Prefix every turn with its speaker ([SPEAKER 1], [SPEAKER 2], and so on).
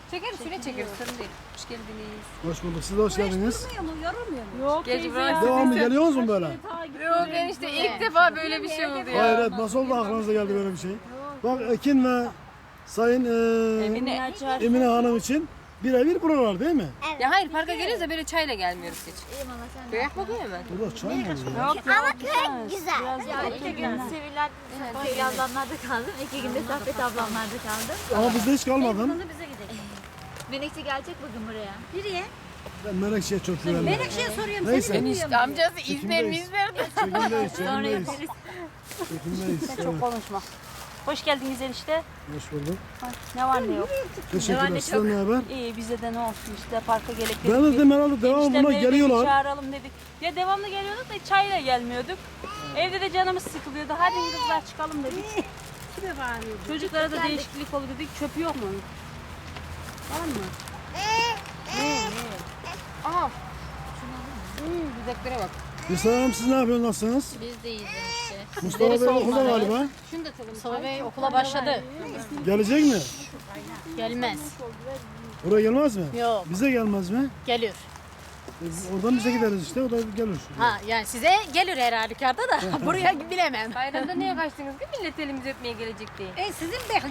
[SPEAKER 1] Çekeriz, şöyle çekeriz. Sorun değil. Hoş geldiniz.
[SPEAKER 2] Hoş bulduk. Siz de hoş geldiniz.
[SPEAKER 3] Yok
[SPEAKER 1] Geç bırak.
[SPEAKER 2] Devamlı geliyorsunuz mu böyle?
[SPEAKER 1] Yok enişte ilk defa böyle bir şey oldu ya.
[SPEAKER 2] Hayret, nasıl oldu aklınıza geldi böyle bir şey? Bak Ekin ve Sayın Emine Hanım için birebir buralar değil mi?
[SPEAKER 1] Ya hayır parka geliyoruz da böyle çayla gelmiyoruz hiç. Göyak bakıyor hemen.
[SPEAKER 2] Burada çay mı oluyor?
[SPEAKER 4] Ama köy güzel.
[SPEAKER 5] Ya 2 gün Sevilay Sevgi ablamlarda kaldım. 2 günde Saffet ablamlarda kaldım.
[SPEAKER 2] Ama bizde hiç kalmadın.
[SPEAKER 5] Bize gidelim. Menekşe gelecek bugün buraya.
[SPEAKER 4] Nereye?
[SPEAKER 2] Ben Menekşe'ye çok güvendim.
[SPEAKER 4] Menekşe'ye soruyorum.
[SPEAKER 2] Neyse.
[SPEAKER 1] Enişte amcası izler mi izler?
[SPEAKER 2] Çekimdeyiz,
[SPEAKER 5] Sonra
[SPEAKER 2] çekimdeyiz.
[SPEAKER 5] yaparız.
[SPEAKER 2] Çekimdeyiz. Evet,
[SPEAKER 3] Çok konuşma. Hoş geldiniz enişte.
[SPEAKER 2] hoş bulduk.
[SPEAKER 3] Ne var ne yok.
[SPEAKER 2] Teşekkürler. Sizden ne haber?
[SPEAKER 3] İyi bize de ne olsun işte parka gelip
[SPEAKER 2] Ben de dedim herhalde devamlı
[SPEAKER 3] Eniştemleri
[SPEAKER 2] buna
[SPEAKER 3] de
[SPEAKER 2] geliyorlar.
[SPEAKER 3] çağıralım dedik. Ya devamlı geliyorduk da çayla gelmiyorduk. Evde de canımız sıkılıyordu. Hadi kızlar çıkalım dedik. Çocuklara da değişiklik olur dedik. Çöpü yok mu? Var mı?
[SPEAKER 1] Aha. Güzeklere bak.
[SPEAKER 2] Gülsel Hanım siz ne yapıyorsunuz? Nasılsınız?
[SPEAKER 5] Biz de iyiyiz işte.
[SPEAKER 2] Mustafa Bey okulda galiba.
[SPEAKER 1] Şunu da çalalım.
[SPEAKER 5] Mustafa Bey okula başladı.
[SPEAKER 2] Gelecek mi?
[SPEAKER 5] Gelmez.
[SPEAKER 2] Buraya gelmez mi?
[SPEAKER 5] Yok.
[SPEAKER 2] Bize gelmez mi?
[SPEAKER 5] Gelir.
[SPEAKER 2] Oradan bize gideriz işte. O da gelir.
[SPEAKER 5] Ha yani size gelir her halükarda da buraya bilemem.
[SPEAKER 1] Bayramda niye kaçtınız ki millet elimizi öpmeye gelecek diye.
[SPEAKER 4] Sizin bekliyorsunuz.